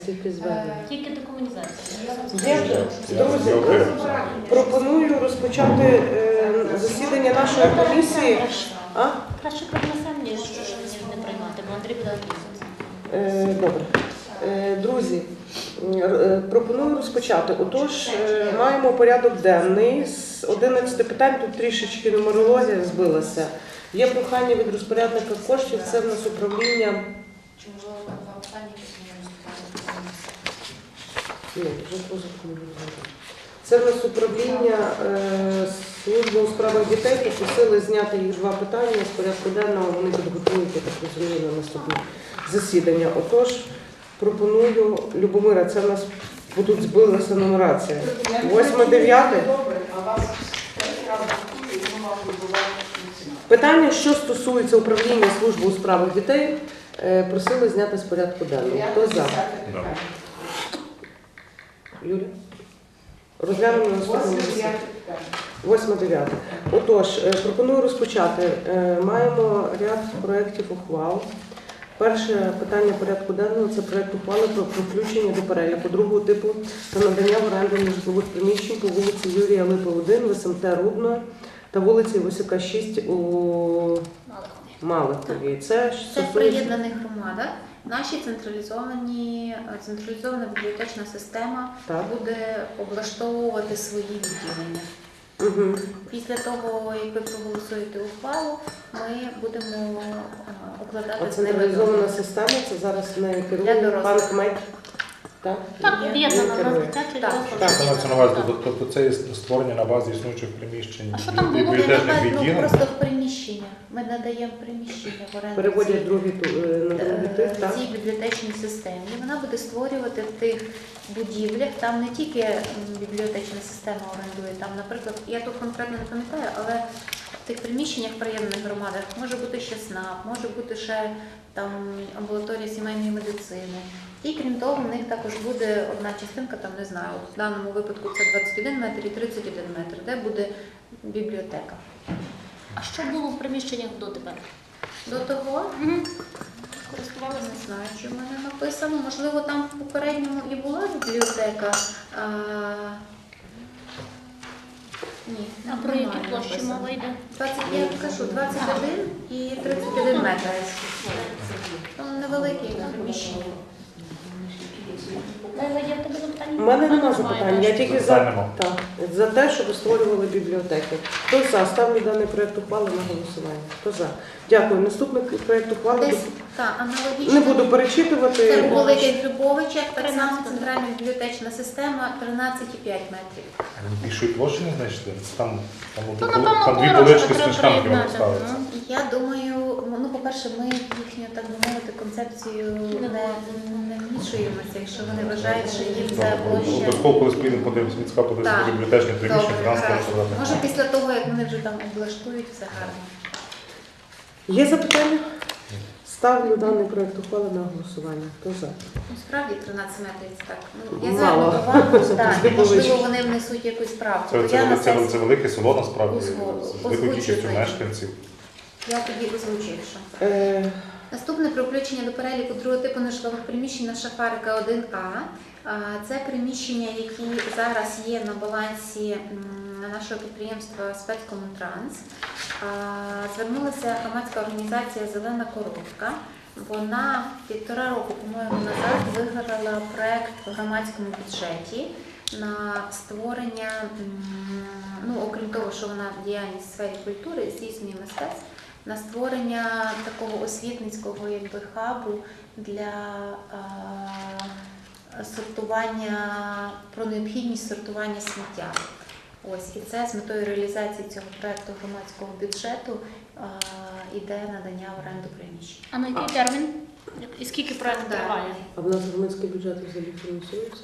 Тільки декомунізація. Друзі, пропоную розпочати засідання нашої комісії. Краще принесемо, що не приймати, бо Андрій буде описувати. Добре. Друзі, пропоную розпочати. Отож, маємо порядок денний з 11 питань, тут трішечки нумерологія збилася. Є прохання від розпорядника коштів, це в нас управління. Це в нас управління служби у справах дітей, попросили зняти їх два питання з порядку денного, вони підготують, я так розумію, на наступне засідання. Отож, пропоную, Любомира, це в нас тут збилася нумерація. 8-9. Питання, що стосується управління служби у справах дітей, просили зняти з порядку денного. Хто за? Юлія? Розглянемо на наступному засіданні. 8-9. Отож, пропоную розпочати. Маємо ряд проєктів ухвал. Перше питання порядку денного – це проєкт ухвали про включення до переліку другого типу та надання в оренду нежитлових приміщень по вулиці Юрія Липи, 1 в СМТ Рудно та вулиці Васюка, 6 у Малихові. Це в приєднаних громадах. Наша централізована бібліотечна система буде облаштовувати свої відділення. Після того, як ви проголосуєте ухвалу, ми будемо укладати з ними. Централізована система, це зараз не керує пан Кмет? Так, об'єднана на дитячий розвиток. Тобто це є створення на базі існуючих приміщень. А що там було? Просто в приміщення. Ми надаємо приміщення в оренду. Переводять на другий тип, так? В цій бібліотечній системі. Вона буде створювати в тих будівлях, там не тільки бібліотечна система орендує, там, наприклад, я тут конкретно не пам'ятаю, але в тих приміщеннях в приємних громадах може бути ще СНАП, може бути ще там амбулаторія сімейної медицини. І крім того, в них також буде одна частинка, там не знаю, в даному випадку це 21 метр і 31 метр, де буде бібліотека. А що було в приміщеннях дотепер? До того користувалися, не знаю, чи в мене написано. Можливо, там в попередньому і була бібліотека. Ні, а про які площі мова йде? 21 і 31 метр. Там невеликі приміщення. У мене немає запитань, я тільки за те, щоб створювали бібліотеки. Хто за? Ставлю даний проєкт ухвали на голосування. Хто за? Дякую. Наступний проєкт ухвали не буду перечитувати. Це у Великих Грибовичах, так само центральна бібліотечна система 13,5 метрів. Більшої площі не знайшли? Там дві полички з книжками вони ставляться. Я думаю, ну, по-перше, ми їхню, так би мовити, концепцію не вмішуємося, якщо вони вважають, що їм це площа. Обов'язково, коли спільно подивимося, він сказав, подивимося бібліотечне приміщення, 13 квадратних. Може, після того, як вони вже там облаштують, все гарно. Є запитання? Ставлю даний проєкт ухвали на голосування. Хто за? Справді 13 метрів це так. Я зверну увагу, можливо, вони внесуть якусь правку. Це велике село, насправді, з великою кількістю мешканців. Я тоді озвучив, що. Наступне про включення до переліку другого типу нежитлових приміщень на Шафарика 1А. Це приміщення, які зараз є на балансі нашого підприємства «Спецкомунтранс». Звернулася громадська організація «Зелена коробка». Вона 1,5 року, по-моєму, назад виграла проєкт в громадському бюджеті на створення, ну, окрім того, що вона діяльність в сфері культури, здійснює мистецтв, на створення такого освітницького хабу для сортування, про необхідність сортування сміття. Ось, і це з метою реалізації цього проєкту громадського бюджету йде надання в оренду приміщень. А на який термін? І скільки проєкт триває? А в нас громадський бюджет взагалі фінансується?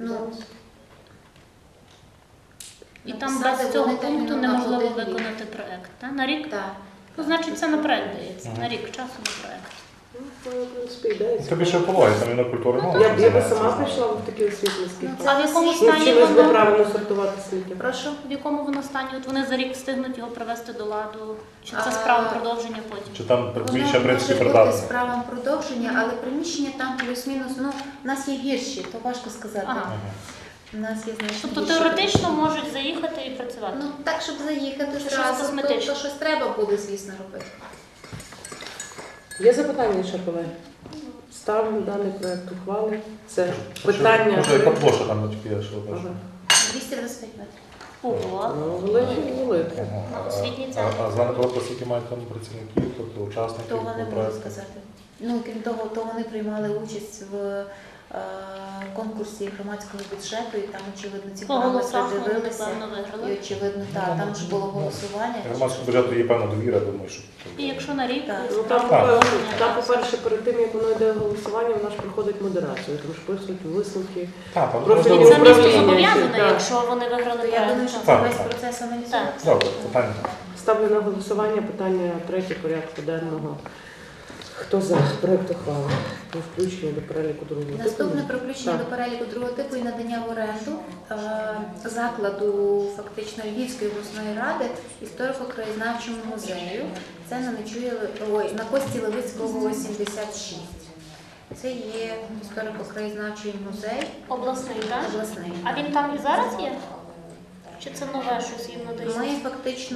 І там без цього пункту неможливо виконати проєкт, так? На рік? Так. Ну, значить, це на проєкт дається, на рік часу на проєкт. в принципі, ідея. Це більше екологія, там і на культури мова. Я би сама прийшла в такі освітницькі. Ну, А в якому Ну, стані вчились би воно? правильно сортувати сміття. Прошу. В якому воно стані? От вони за рік встигнуть його привести до ладу? Чи це А, справа продовження потім? Чи там Воно більше, в принципі, може бути придатне? справам продовження, але приміщення там плюс-мінус, ну, в нас є гірші, то важко сказати. Ага. Ага. У нас є значно Тобто гірші теоретично приміщення. можуть заїхати і працювати? Ну, так, щоб заїхати Щось зразу, косметичне. то щось треба буде, звісно, робити. Є запитання ще, колеги? Ставимо даний проект ухвали. Це питання. Може, яка площа там тільки є, що ви Ага. 225 метрів. Ого. Ну, великий. Освітній центр. А знане про скільки мають там працівників, тобто учасників Того не можу проекту? сказати. Ну, крім того, то вони приймали участь в конкурсі громадського бюджету, і там, очевидно, ці По параметри голосах вони, дивилися. напевно, І, виграли. очевидно, так, там ж було голосування. Громадському бюджету є певна довіра, думаю, що... І якщо на рік, Так. то Ну, там, справа по-перше, продовження. по-перше, перед тим, як воно йде голосування, вона ж проходить модерацію, тому що пишуть висновки. Так, там Профільні І це управління, місто зобов'язане, так. якщо вони виграли То я думаю, що проект. це Так, весь так. процес аналізується. Добре, питання. Ставлю на голосування питання 3 порядку денного. Хто за проект ухвали? Про включення до переліку другого типу? Наступне про включення Так. до переліку другого типу і надання в оренду закладу фактично Львівської обласної ради історико-краєзнавчому музею. Це на Кості Левицького 76. Це є історико-краєзнавчий музей Обласний, так? обласний. А він там і зараз є? Чи це нове щось їм надається? Ми фактично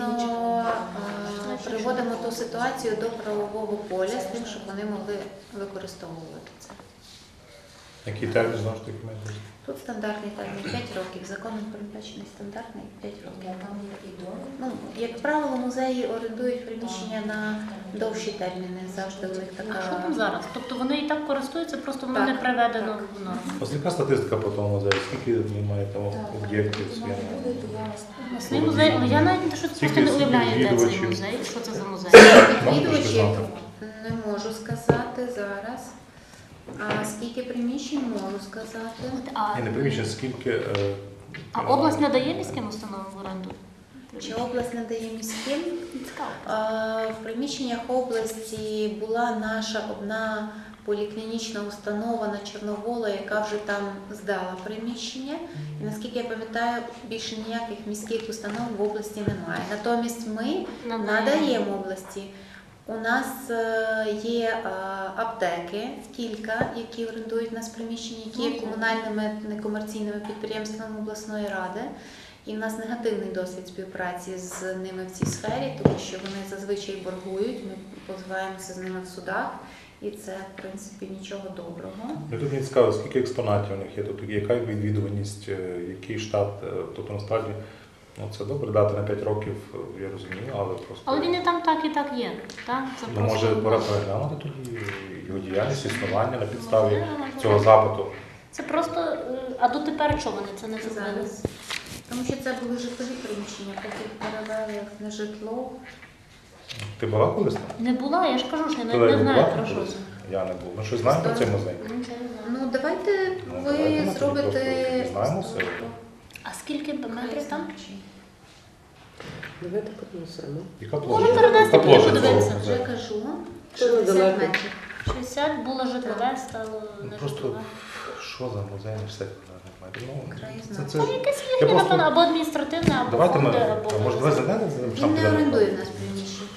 приводимо ту ситуацію до правового поля з тим, щоб вони могли використовувати це. Який термін, знову ж таки, має бути? Тут стандартний термін 5 років, законом передбачений стандартний 5 років. Ну, як правило, музеї орендують приміщення на довші терміни, завжди у них А що така. там зараз? Тобто вони і так користуються, просто воно Так, не приведено так. в норму. Ось яка статистика по тому музею? Скільки він має там об'єктів своєму? Обласний музей, але я навіть просто Скільки не уявляю, де цей відвідувачів? музей, що це за музей. Відвідувачів не можу сказати зараз. А скільки приміщень можу сказати? А, Ні, не приміщення, скільки... а область не дає міським установам в оренду? Чи область надає міським? Цікаво. В приміщеннях області була наша одна поліклінічна установа на Чорновола, яка вже там здала приміщення. І наскільки я пам'ятаю, більше ніяких міських установ в області немає. Натомість ми надаємо області. У нас є аптеки, кілька, які орендують у нас приміщення, які є комунальними некомерційними підприємствами обласної ради. І в нас негативний досвід співпраці з ними в цій сфері, тому що вони зазвичай боргують, ми позиваємося з ними в судах, і це, в принципі, нічого доброго. Тут мені цікаво, скільки експонатів у них є, тобто яка відвідуваність, який штат, тобто насправді, ну це добре дати на 5 років, я розумію, але просто... Але він і там так є. Так? Це Ну, просто- може, пора переглянути тоді його діяльність, існування на підставі цього запиту. Це просто, а дотепер чого вони це не зробили? Зараз. Тому що це були житлові приміщення, потім перевели їх на житло. Ти була колись там? Не була, я ж кажу, що я Ти не була знаю про колись? що це. Я не був. Ми щось знаємо про цей музей? Ну, це не знаю. Ну, давайте Ну, ви давайте ми тоді зробите... просто дізнаємося. А скільки метрів там? Давайте поднесемо. Яка Може, площа? перенести, Яка площа тоді цього подивитися. Вже музею? кажу, Це 60 недалеко. метрів. 60 було житлове, стало не Просто житлове. що за музей на 60 квадратних метрів? Ну, Краєзнавчий. це... Там якесь Я їхнє, просто- напевно, або адміністративне, або Давайте ми, фонди, або... а може, давай зайдемо? Він не орендує в нас приміщення.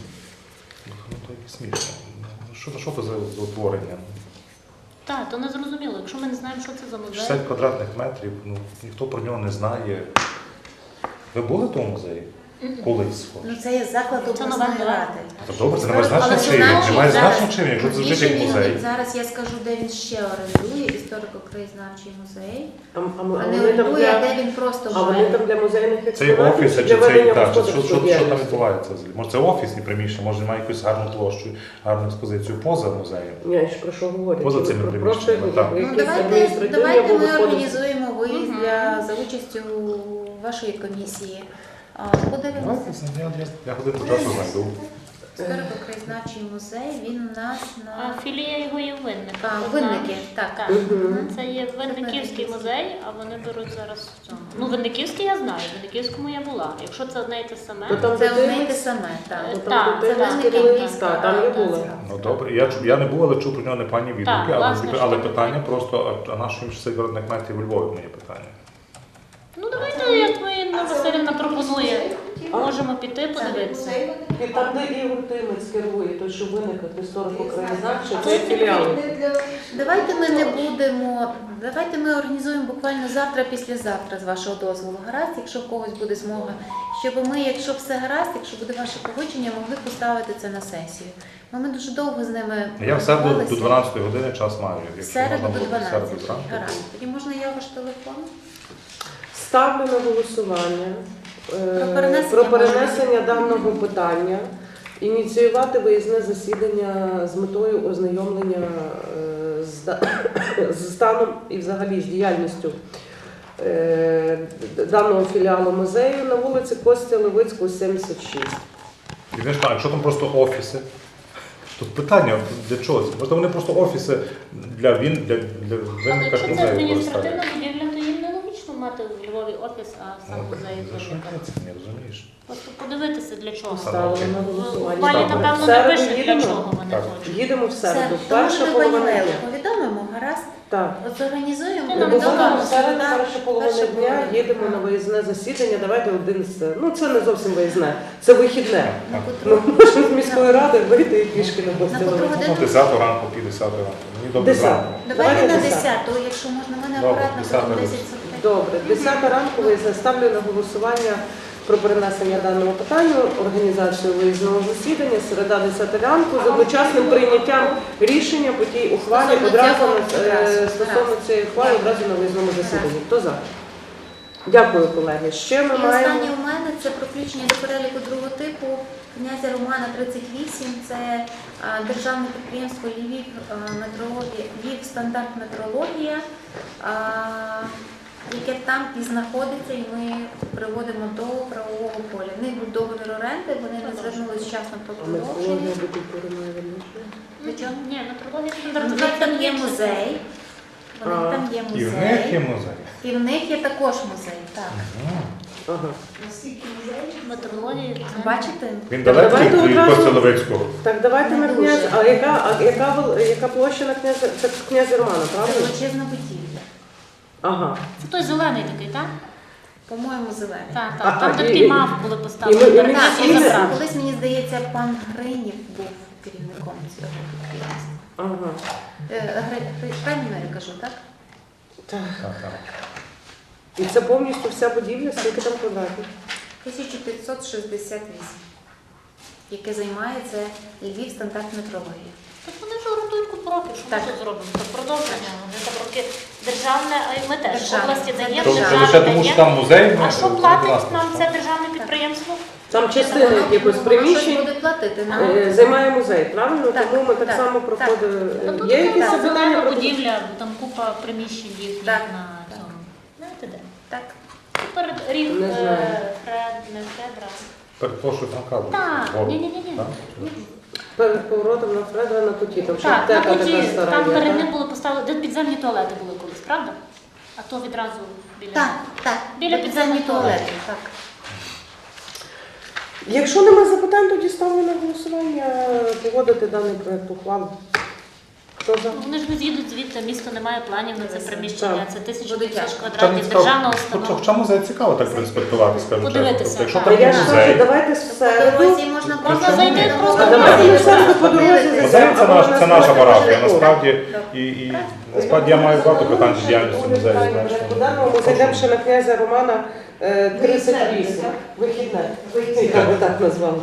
Ну, то якось смішно. Ну, що це за утворення? Так, то не зрозуміло. Якщо ми не знаємо, що це за музей. 60 квадратних метрів, ну, ніхто про нього не знає. Ви були в тому музеї? Колись. Ну, це є заклад Це обласної нова ради. Та добре, це не має Але значення це чи значить, немає зараз- значення чи якщо це звучить Більше як він- музей. Зараз я скажу, де він ще орендує, історико-краєзнавчий музей. А А вони не там орендує, а для... де він просто А вони живе. там для музейних Це є експонатів офіс, чи чи для це ведення так, що господарської там діяльності? відбувається взагалі? Може це офісні приміщення, може має якусь гарну площу, гарну експозицію поза музеєм. Ні, я ж про що говорю? Поза Чи цими про приміщеннями, профіль, так. Ну, якісь давайте адміністративні або ми господарські? організуємо виїзд Мгм. за участю вашої комісії. Давайте, Подивимося. я годину часу знайду. Історико-краєзнавчий музей, він у нас А на філія його є в Винниках. Винники, так. Так. Мгм. Це є Винниківський музей, а вони беруть зараз в цьому. Ну, Винниківський я знаю, в Винниківському я була. Якщо це одне і те саме, То там Це одне й дитинець? те саме, так. То Так, там це дитинець Винники керує, міста, так, там я так, була. так. Ну добре, я не був, але чув про нього непогані відгуки, власне, але що питання таке? просто, а на що їм цей виробник метів у Львові, моє питання. ну давайте, як ми Інна Василівна пропонує, можемо піти подивитися. І там, де Ігор Тимець керує, той, що в Винниках історико-краєзнавчий, це філіал. Давайте ми не будемо, давайте ми організуємо буквально завтра, післязавтра, з вашого дозволу. Гаразд, якщо в когось буде змога, щоб ми, якщо все гаразд, якщо буде ваше погодження, могли поставити це на сесію. Бо ми дуже довго з ними Я в середу до спілкувалися. 12 години час маю, В якщо середу можна до буде в середу 12. зранку. Гаразд. Тоді можна його ж телефон? Ставлю на голосування Про про перенесення даного питання, ініціювати виїзне засідання з метою ознайомлення з станом і взагалі з діяльністю даного філіалу музею на вулиці Костя Левицького, 76. І знаєш, так, якщо там просто офіси, тут питання, для чого це? Можливо, вони просто офіси для Але винника якщо це музею адміністративна використовують. будівля, то їм нелогічно мати в Львові офіс, а сам музей За що Винника. це не розумієш? Просто подивитися для чого. Ставлю на В голосування. ухвалі, Ставлю. напевно, В не середу пише, для їдемо? чого вони Так. хочуть. Їдемо в середу. Все, Перша тому що ми половина пані дня. Лелю повідомимо, гаразд? Так. От зорганізуємо, Ти Ми нам повідомимо, будемо в середу, так, перша половина перша дня, половина. їдемо на виїзне засідання. Давайте один з ну це не зовсім виїзне, це вихідне. На Ну, котру? можна з міської ради вийти і пішки на На Костя котру Левицького. годину? Ну, 10 ранку, 50 ранку. Мені добре 10. зранку. Давайте на Давайте 10, якщо можна, ми не Добре, акуратно 10 будемо ранку. 10:45. Добре, 10 ранку виїзне. Ставлю на голосування про перенесення даного питання, організацію виїзного засідання, середа 10 ранку, з одночасним прийняттям рішення по тій ухвалі Стосовно одразу цього, стосовно цієї ухвали одразу на виїзному засіданні. Хто за? Дякую, колеги. Ще ми І маємо. останнє у мене це про включення до переліку другого типу князя Романа 38. Це державне підприємство Львів метрологія, Львів стандарт метрологія, яке там і знаходиться, і ми приводимо до правового поля. В них був договір оренди, вони не звернулися вчасно про продовження. Метрологія до культури має відношення? До чого? Ні, метрологія У стандартна. них там є музей. У них там є І в них є музей. музей. І в них є також музей. Так. Ага. Метрологія. це- Бачите? Він Так, далекий давайте від одразу- Костя Левицького. Так, давайте на Не князь. дуже. Яка площа на князя? Це князя Романа, Це правда? величезна будівля. Ага. Це той зелений такий, так? По-моєму, зелений. Так, А, так. Там і- де такий і- мав були і поставлені. ми перед Так, тим, всі як не- забрати. колись, мені здається, пан Гринів був керівником цього підприємства. Ага. Правильно я кажу, так? Так. Так, так. І це повністю вся будівля, скільки там квадратів? 1568, яке займає це Львів стандарт метрологія. Так вони ж орендують купу років, що ми Так. тут зробимо? Так продовження. Вони там роки державне, а й ми теж в Державне. області Це даємо, Тобто державне. лише тому, що там музей, А ми- що платить власне, нам що? це державне підприємство? Там частина якихось Воно приміщень щось буде платити нам. займає музей, правильно? Так, Тому ми так так, само так. проходимо. Та тут Є якісь така запитання зелена про будівля, там купа приміщень їхніх Так, на так. цьому. Знаєте де? Так. Перед рік Не знаю. не Фредра. Перепрошую, Франка. Так, ні. перед поворотом на Фредера на куті? Там ще Так, на аптека куті, така стара. там є, перед так? ним були поставлені, де підземні туалети були колись, правда? А то відразу біля. Так, так. Біля підземних туалетів. Так. Якщо немає запитань, тоді ставлю на голосування погодити даний проект ухвали. Хто за? Ну, вони ж не з'їдуть звідти, місто не має планів на це приміщення, Так. це Буде 1500 тяжко. квадратів державна установа. Хоча музей цікаво так проінспектувати, скажімо чесно. Подивитися, Тобто, якщо так. там Та я ж музей, кажу, давайте в По середу. дорозі можна Можна зайти подивитися. просто А давайте ми в середу по дорозі Подивитися. музей це, Або наш, на це наша середу парафія, перейдемо. насправді. І насправді я маю багато питань з діяльністю музею. знаєш, По даному ми зайдемо ще на князя Романа 38. Вихідне. Я би так назвала.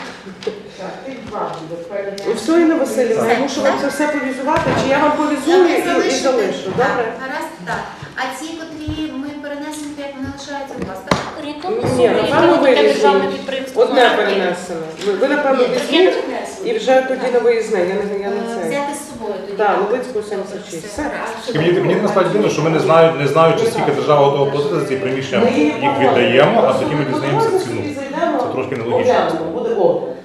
Все, Інна Василівна, я мушу вам це все повізувати, чи я вам повізую і залишу, добре? Так, гаразд, так. А ці, котрі ми перенесемо, як вони лишаються у вас, так? Орієнтовно Ні, суми, які напевно, от таке державне вирішують. підприємство. Одне має. перенесено. Ви, напевно, візьміть і вже тоді на виїзне. Я не це. Взяти з собою тоді. Так, Лубицьку 76. Все. І мені насправді дивно, що ми не знаючи, скільки держава готова платити за ці приміщення, їх віддаємо, а тоді ми дізнаємося ціну. Це трошки нелогічно. Буде о.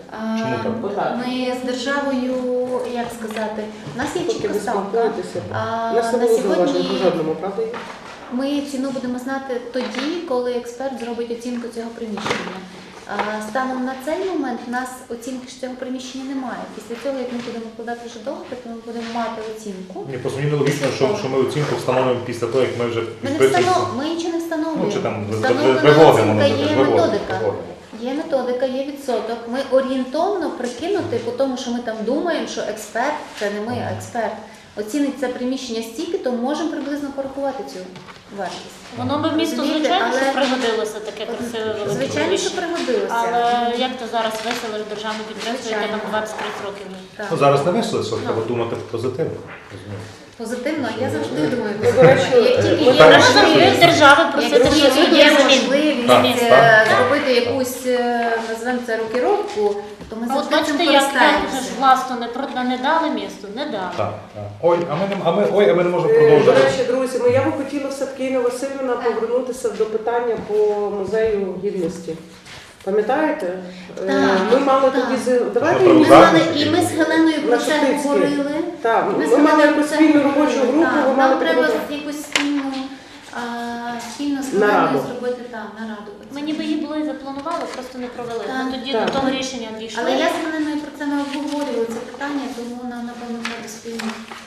Чому так? Отак. Ми з державою, як сказати, у нас є Поки чітка ви ставка. спілкуєтеся. А, У нас не на було зауважень по сьогодні жодному, правда? Юрій? ми ціну будемо знати тоді, коли експерт зробить оцінку цього приміщення. Станом на цей момент в нас оцінки ж цього приміщення немає. Після цього, як ми будемо вкладати вже договір, то ми будемо мати оцінку. Ні, просто мені нелогічно, що ми оцінку встановлюємо після того, як ми вже Ми підписуємося. ми нічого не встановлюємо. Ну, чи там Встановлена виводимо, оцінка, є виводимо. методика. Є методика, є відсоток. Ми орієнтовно прикинути, по тому, що ми там думаємо, що експерт, це не ми, а експерт, оцінить це приміщення стільки, то можемо приблизно порахувати цю вартість. Воно би місту, Розумієте, звичайно, що але- пригодилося таке красиве велике Звичайно, що приміщення. пригодилося. Але як ти зараз виселиш державне підприємство, яке там Звичайно. 23 років? Так. Ну, зараз не вийшло, що треба думати позитивно. розумієте? Позитивно, я завжди думаю Ну, до речі, позитивно. Як тільки ми є так- Можна завжди можливість, в держави як просити, що тільки є є змін. можливість Так. зробити якусь, назвемо це рокіровку, то ми А от завжди цим бачите, як користаємося. кажеш, власно не дали місту? Не дали. Так, так. Ой, а ми не можемо До продовжувати. речі, друзі, я би хотіла все-таки, Інна Васильівна, повернутися до питання по музею гідності. Пам'ятаєте? Так, Ми мали так. тоді давайте Ми Ми ми- зараз- мали, і ми з Геленою про На це Шептицькій. говорили. Так, Ми з ми мали Геленою про якусь це спільну говорили. робочу групу, Так, ви нам мали треба таку- якусь спільну з Нараду. Геленою зробити нараду. Ми ніби її були і запланували, просто не провели. Так. Ми тоді Так. до того рішення дійшли. Але я з Геленою про це не обговорювала це питання, тому нам напевно треба спільно.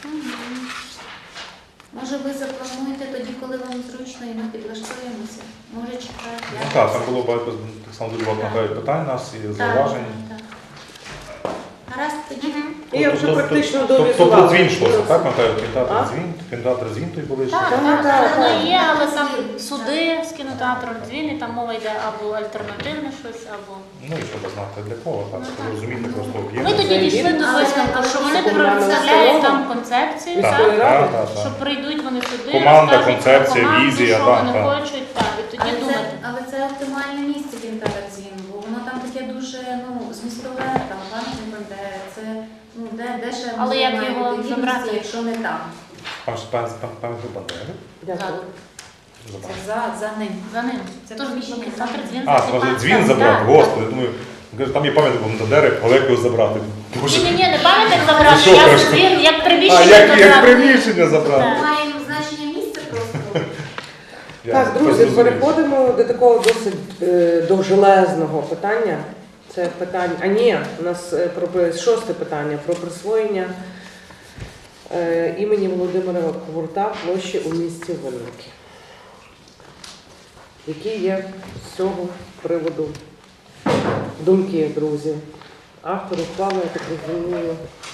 Може ви заплануєте тоді, коли вам зручно, і ми підлаштуємося. Може чекати. Ну так, там було багато, так само дуже багато питань у нас і зауважень. Так. Гаразд, тоді. І я вже практично Тобто довізувала. дзвін йшлося, так? Пам'ятаю, А? кінотеатр дзвін той були. Так, Так, так, так, воно так. є, але там суди з кінотеатром дзвін, і там мова йде або альтернативне щось, або. Ну і щоб знати для кого, так, щоб розуміти просто Ми об'єм. тоді дійшли до Але- висновку, що вони але- представляють там але- концепцію, Так. так? Так, Що прийдуть вони сюди, Команда, розкажуть про концепція, команду, візія, що так, вони так. хочуть, так, і тоді думати. Але це оптимальне місце кінотеатр дзвін, бо воно там таке дуже змістове, там пам'ятник Бандери, це де ще Але музей як має його бути гідності, забрати? якщо не там. Пам'ятаю Бандери? Дякую. Це за ним. За ним. Це Тож приміщення кінотеатр дзвін А, займає. може дзвін Так, забрати, так, господи, думаю, каже, там є пам'ятник Бандери, але як його забрати? Боже. Ні, не пам'ятник забрати, Що я кажеш? дзвін, як А, приміщення як забрати. приміщення забрати? Так. Маємо значення місця просто. Я Так, тепер друзі, зрозумів. переходимо до такого досить довжелезного питання. Це питання, у нас про 6 питання про присвоєння імені Володимира Курта площі у місті Винники. Які є з цього приводу думки, друзі? Автор ухвали, я так розумію,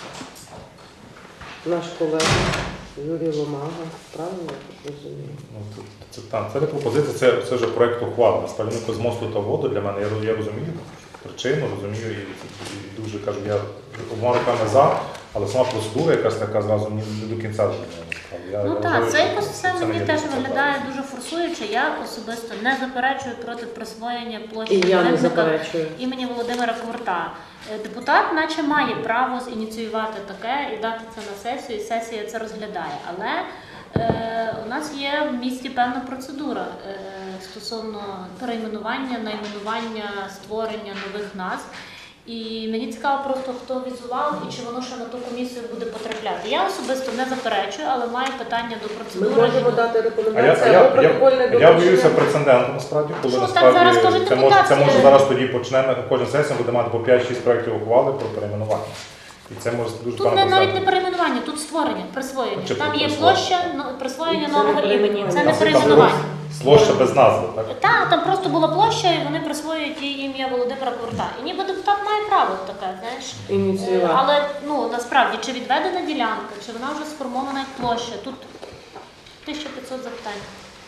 наш колега Юрій Ломага. Правильно я так розумію? Ну, це не пропозиція, це вже проєкт ухвали. Насправді з мосту та воду для мене, я розумію причину, розумію і дуже кажу, я обома руками за, але сама процедура якась така зразу мені не до кінця зрозуміла. Ну так, вважаю, це що якось все не мені є теж дуже виглядає правильно. дуже форсуюче. Я особисто не заперечую проти присвоєння площі І я не Винника заперечую. імені Володимира Курта. Депутат наче має право зініціювати таке і дати це на сесію, і сесія це розглядає. Але у нас є в місті певна процедура стосовно перейменування, найменування, створення нових назв. І мені цікаво просто, хто візував і чи воно ще на ту комісію буде потрапляти. Я особисто не заперечую, але маю питання до Ми процедури. можемо дати А рекомендації або протокольне я доручення. боюся прецеденту насправді, коли Що, так насправді зараз кажуть це може депутатські. зараз тоді почнемо, кожен сесія буде мати по 5-6 проєктів ухвали про перейменування. І це може дуже Тут погано навіть не стати. перейменування, тут створення, присвоєння. Чи Там є присвоєння? площа, присвоєння Це нового не імені. Це не перейменування. перейменування. Площа без назви, так? Так, там просто була площа, і вони присвоюють їй ім'я Володимира Курта. І ніби депутат має право таке, знаєш. Ініціювати. Але насправді, чи відведена ділянка, чи вона вже сформована як площа, тут 1500 запитань.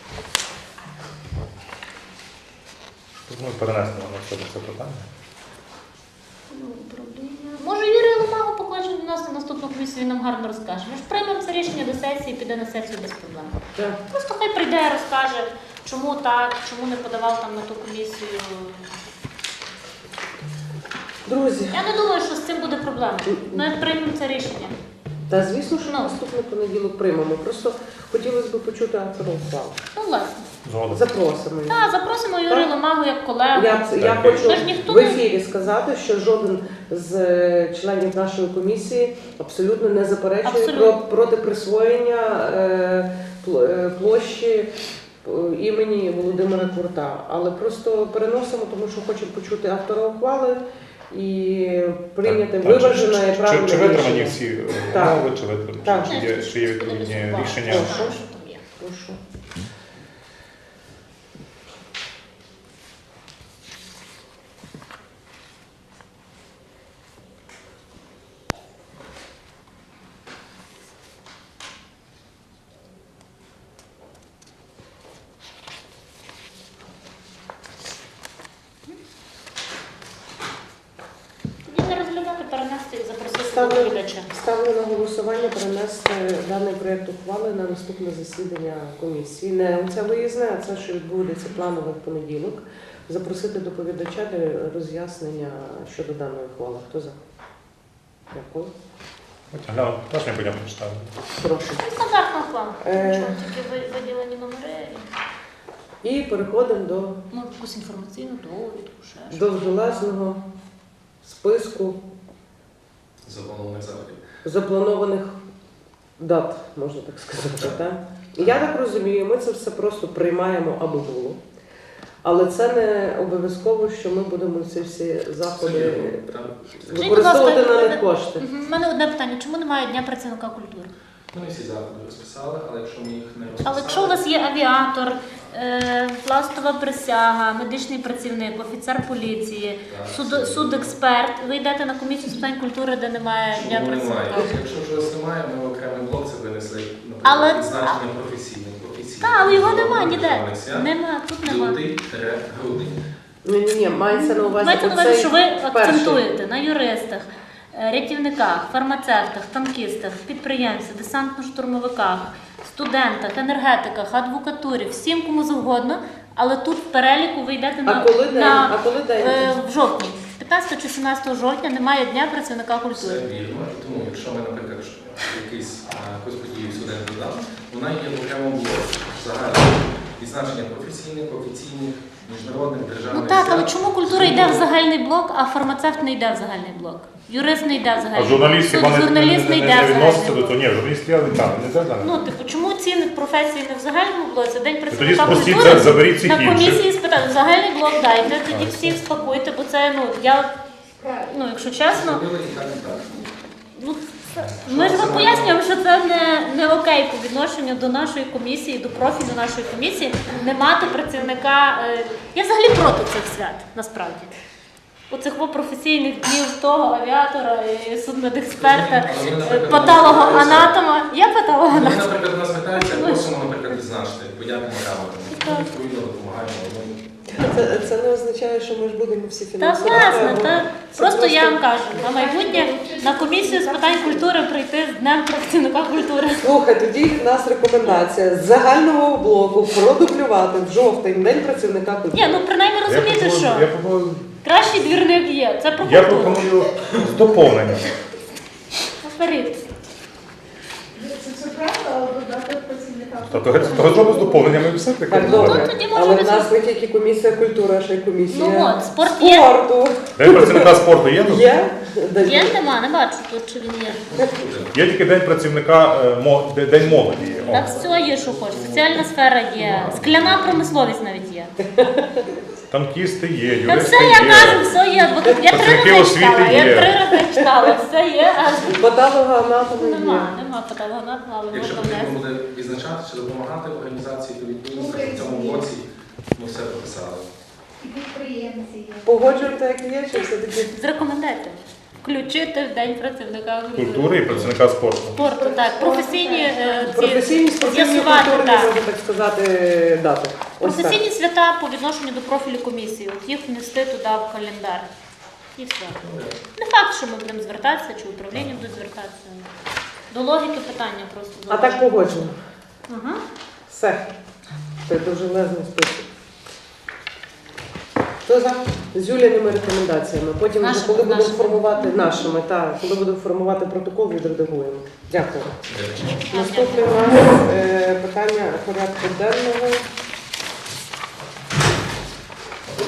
Тут ми перенесемо на себе це питання. Може, Юрій Ломагу покличе до нас на наступну комісію, він нам гарно розкаже. Ми ж приймемо це рішення до сесії, піде на сесію без проблем. Так. Просто хай прийде, розкаже, чому так, чому не подавав там на ту комісію. Друзі, Я не думаю, що з цим буде проблема. Ми приймемо це рішення. та звісно, що Ну. наступний понеділок приймемо. Просто хотілося б почути автора ухвали. Ну, власне. Згодом. Запросимо її. Так, запросимо Юрію Ломагу як колегу. Я хочу Ми ж ніхто в ефірі сказати, що жоден з членів нашої комісії абсолютно не заперечує Абсолютно. проти присвоєння площі імені Володимира Курта. Але просто переносимо, тому що хочемо почути автора ухвали і прийняти виважене і правильне Чи витримані рішення. всі Так. умови, чи витримані, Так. чи є відповідні рішення? Прошу. Що там є. Прошу. Тоді не розглядати, перенести і запросити Ставлю. доповідача. Ставлю на голосування перенести даний проєкт ухвали на наступне засідання комісії. Не оце виїзне, а це, що відбудеться планове в понеділок. Запросити доповідача для роз'яснення щодо даної ухвали. Хто за? Дякую. Гляну, теж мені потім прочитаю. Прошу. Стандартна ухвала. Е. Що, тільки виділені номери, І переходимо до ну, якусь інформаційну довідку, ще щось. довжелезного списку Запланованих заходів. запланованих дат, можна так сказати. Так? Я так розумію, ми це все просто приймаємо аби було. Але це не обов'язково, що ми будемо ці всі заходи використовувати Скажіть, будь на ласка, них кошти. У мене одне питання. Чому немає Дня працівника культури? Ми всі заходи розписали, але якщо ми їх не розписали... Але якщо у вас є авіатор, пластова присяга, медичний працівник, офіцер поліції, судексперт, ви йдете на комісію з питань культури, де немає Дня Чому немає? працівника? Якщо вже вас немає, ми в окремий блок це винесли, Але- наприклад, відзначення професійних. Так, але його немає ніде. державних свят. Нема, тут нема. Лютий-грудень. Ні, мається на увазі. Мається на увазі, оцей що ви перший. акцентуєте на юристах, рятівниках, фармацевтах, танкістах, підприємцях, десантно-штурмовиках, студентах, енергетиках, адвокатурі, всім кому завгодно, але тут в переліку ви йдете А коли день? А коли день? в жовтні. 15 чи 17 жовтня немає Дня працівника Це культури. вірно. І тому, якщо ми, наприклад, якусь подію сюди не додам, вона є в окремому блоці. Загально відзначення професійних, офіційних, міжнародних, державних Ну так, але свят. чому культура йде в загальний блок, а фармацевт не йде в загальний блок? Юрист не йде в А загальний журналіст блок. хіба Журналіст не йде не в відноситься загальний до блок. того? Ні, журналіст я там, не йде за Ну, типу, чому ці професії не в загальному блоці? День тоді працівника спростіть, культури заберіть цих на інших. комісії спитати, в загальний блок дайте, тоді всіх спакуйте, бо це, ну, я, ну, якщо чесно, Зробили і так, і так. ну, ми ж вам пояснюємо, що це не окей по відношенню до нашої комісії, до профілю нашої комісії, не мати працівника. Я взагалі проти цих свят, насправді. Оцих професійних днів того авіатора, і судмедексперта, патологоанатома. Я Вони, патологоанатом. наприклад, до нас звертаються, просимо, наприклад, відзначити, подякуємо камерам. Ми відповідно допомагаємо. Це не означає, що ми ж будемо всі Та фінансувати. власне, та Це просто я вам кажу, на майбутнє на комісію з питань культури прийти з Днем працівника культури. Слухай, тоді в нас рекомендація з загального блоку продублювати в жовтень День працівника культури. Ні, ну принаймні розумієте, що Я пропоную, кращий двірник є. Це про я культуру. пропоную з доповненням. Наперед. Це правда, але додати працівника. Тобто зробимо з доповненнями і все таке. Так, добре. Ну, тоді може Але в ви нас не тільки комісія культури, а ще й комісія Ну от, спорт є. спорту. День працівника спорту є тут? Є? Є, нема, не бачу тут, чи він є. Є тільки день працівника, день молоді є. О. Так все є, що хочеш. Соціальна сфера є, скляна промисловість навіть є. Танкісти є, Та юристи все, я є. кажу, все є. Я 3 Працівники рази освіти читала, є. я 3 рази читала, все є, а Патологоанатоми є. нема патологоанатома, але Якщо можна потрібно внести. буде відзначати чи допомагати організації, то відповідно в цьому блоці ми все прописали. І підприємці є. Погоджуєте, як є, чи все-таки? З рекомендацією. Включити в День працівника Культури і працівника спорту. спорту, так. Професійні Професійні спортивні з'ясувати, культурні, так. можна так сказати, дати. Ось так. Професійні свята по відношенню до профілю комісії. От їх внести туди в календар. І все. Не факт, що ми будемо звертатися, чи управління буде звертатися. До логіки питання просто. А так погоджено. Ага. Все. Це дуже лезний список. Хто за? З Юліними рекомендаціями. Потім, вже, Нашими, коли будемо нашими. формувати нашими, так, коли будемо формувати протокол, відредагуємо. Дякую. Наступне у нас питання порядку денного.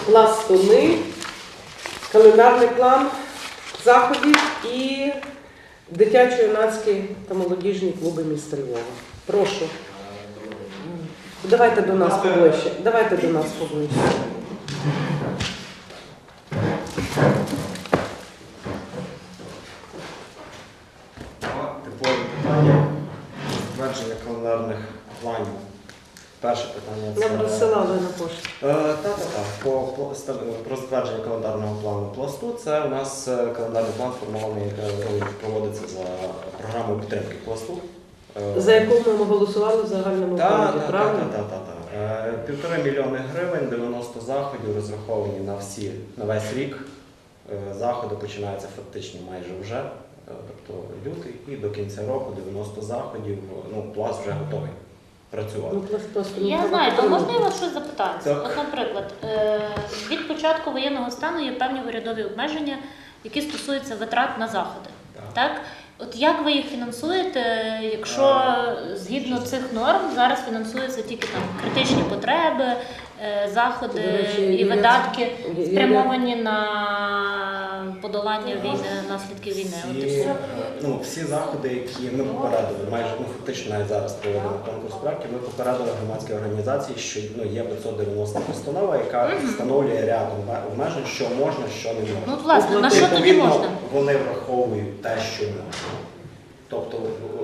пластуни, календарний план заходів і дитячо-юнацькі та молодіжні клуби міста Львова. Прошу. Давайте до нас поближче. Давайте до нас поближче. Типові питання затвердження календарних планів. Перше питання це... Нам розсилали на пошту. Про затвердження календарного плану пласту. Це у нас календарний план сформований, проводиться за програмою підтримки пласту. За яку ми голосували в загальному фонді, правильно? Так. 1,5 мільйони гривень, 90 заходів розраховані на весь рік. Заходи починаються фактично майже вже, тобто лютий, і до кінця року 90 заходів, пласт вже готовий працювати. Ну, просто не Я треба знаю, а підтримувати. можна я вас щось запитати? Так. От, наприклад, від початку воєнного стану є певні урядові обмеження, які стосуються витрат на заходи. Так? От як ви їх фінансуєте, якщо згідно цих норм зараз фінансуються тільки там критичні потреби, заходи До речі, і є- видатки є- спрямовані на подолання війни, наслідків війни? От і все. Всі заходи, які ми попередили, майже фактично навіть зараз проводимо конкурс проєктів, ми попередили громадські організації, що є 590 постанова, яка встановлює ряд обмежень, що можна, що не можна. Ну, от, власне, на що тоді Відповідно, можна? вони враховують те, що можна. Тобто,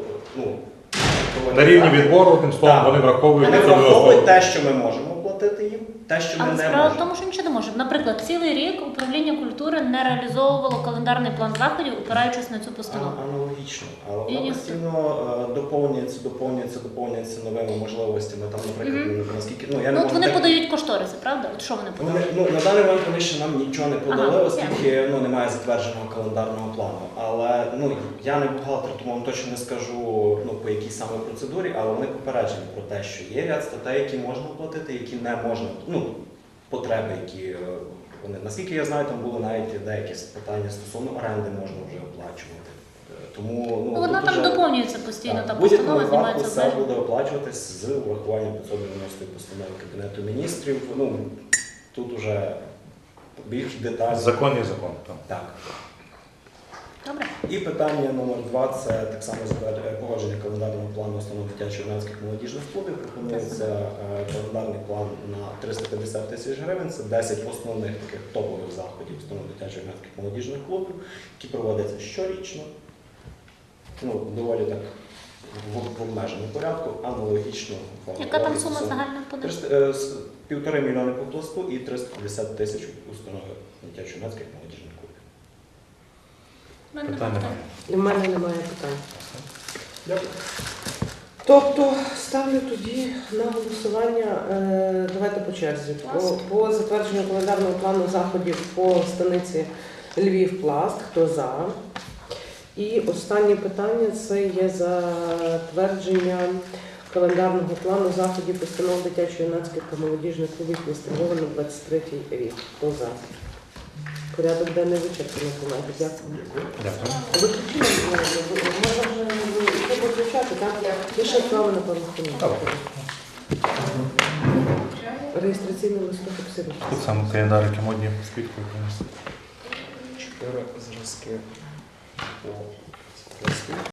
На рівні відбору, одним словом, Так. вони враховують Вони 590. враховують те, що ми можемо платити їм, те, що ми Але не справа в можемо. тому, що нічого не може. Наприклад, цілий рік управління культури не реалізовувало календарний план заходів, опираючись на цю постанову. Аналогічно, але І- вона постійно доповнюється новими можливостями. Там, наприклад, наскільки я не Ну, от можу вони так- подають кошториси, правда? От що вони подають? На даний момент вони ще нам нічого не подали, Ага, оскільки немає затвердженого календарного плану. Але я не бухгалтер, тому вам точно не скажу по якій саме процедурі, але вони попереджені про те, що є ряд статей, які можна платити, які не можна, потреби, які вони. Наскільки я знаю, там були навіть деякі питання стосовно оренди можна вже оплачувати. Тому Ну, вона тут там уже- доповнюється постійно, Так, та в будь-якому постанова випадку знімається це обмеження. буде оплачуватись з урахуванням 590 постанови Кабінету міністрів. Тут уже більш детально. Закон є закон. Так. Так. Добре. І питання номер 2 – це так само погодження календарного плану установ дитячо-юнацьких молодіжних клубів. Пропонується календарний план на 350 тисяч гривень. Це 10 основних таких топових заходів установ дитячо-юнацьких молодіжних клубів, які проводяться щорічно. Доволі так в обмеженому порядку, аналогічно. Яка там сума загальна буде? 1,5 мільйони по пласту і 350 тисяч установи дитячо-юнацьких молодіжних клубів. У мене Питань немає. немає. І в мене немає питань. Дякую. Тобто ставлю тоді на голосування, давайте по черзі. По затвердженню календарного плану заходів по станиці Львів-Пласт. Хто за? І останнє питання – це є затвердження календарного плану заходів постанов дитячо-юнацьких та молодіжних клубів міста Львова на 23-й рік. Хто за? Порядок денний вичерпаний, колеги. Дякую. Дякую. Виключили, можна вже виключати, так? Я ще вправи на пару хвилин. Добре. Реєстраційний листок обсервації. Тут саме календарики модні з підкою. 4 зразки по пласту.